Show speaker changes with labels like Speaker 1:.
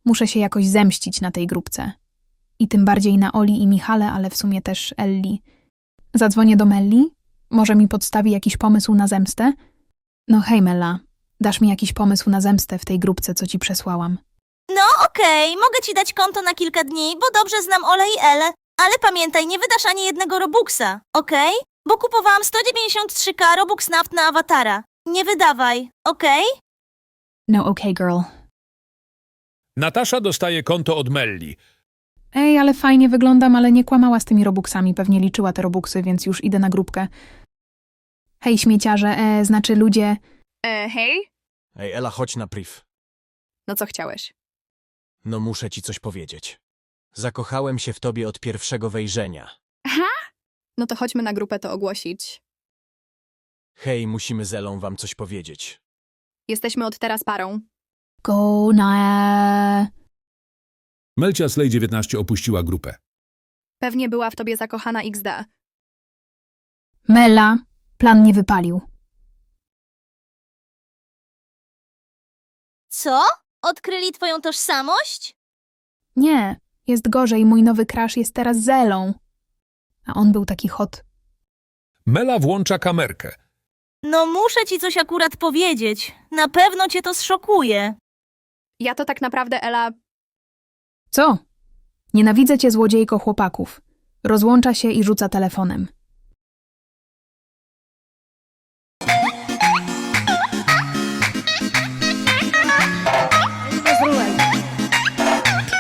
Speaker 1: Muszę się jakoś zemścić na tej grupce. I tym bardziej na Oli i Michale, ale w sumie też Elli. Zadzwonię do Melli? Może mi podstawi jakiś pomysł na zemstę? No hej Mella, dasz mi jakiś pomysł na zemstę w tej grupce, co ci przesłałam.
Speaker 2: No okej, mogę ci dać konto na kilka dni, bo dobrze znam Ole i Elę. Ale pamiętaj, nie wydasz ani jednego Robuxa, okej? Bo kupowałam 193k Robux Naft na awatara. Nie wydawaj, okej?
Speaker 1: No okay, girl.
Speaker 3: Natasza dostaje konto od Melli.
Speaker 1: Ej, ale fajnie wyglądam, ale nie kłamała z tymi Robuxami, pewnie liczyła te Robuxy, więc już idę na grupkę. Hej śmieciarze, znaczy ludzie...
Speaker 4: Hej?
Speaker 5: Ej, Ela, chodź na priv.
Speaker 4: No co chciałeś?
Speaker 5: No muszę ci coś powiedzieć. Zakochałem się w tobie od pierwszego wejrzenia.
Speaker 4: No to chodźmy na grupę to ogłosić.
Speaker 5: Hej, musimy z Elą wam coś powiedzieć.
Speaker 4: Jesteśmy od teraz parą.
Speaker 1: Go na...
Speaker 3: Melcia Slay 19 opuściła grupę.
Speaker 4: Pewnie była w tobie zakochana XD.
Speaker 1: Mela, plan nie wypalił.
Speaker 2: Co? Odkryli twoją tożsamość?
Speaker 1: Nie, jest gorzej, mój nowy crush jest teraz Zelą. A on był taki hot.
Speaker 3: Mela włącza kamerkę.
Speaker 2: No muszę ci coś akurat powiedzieć. Na pewno cię to zszokuje.
Speaker 4: Ja to tak naprawdę, Ela,
Speaker 1: Co? Nienawidzę cię, złodziejko chłopaków. Rozłącza się i rzuca telefonem.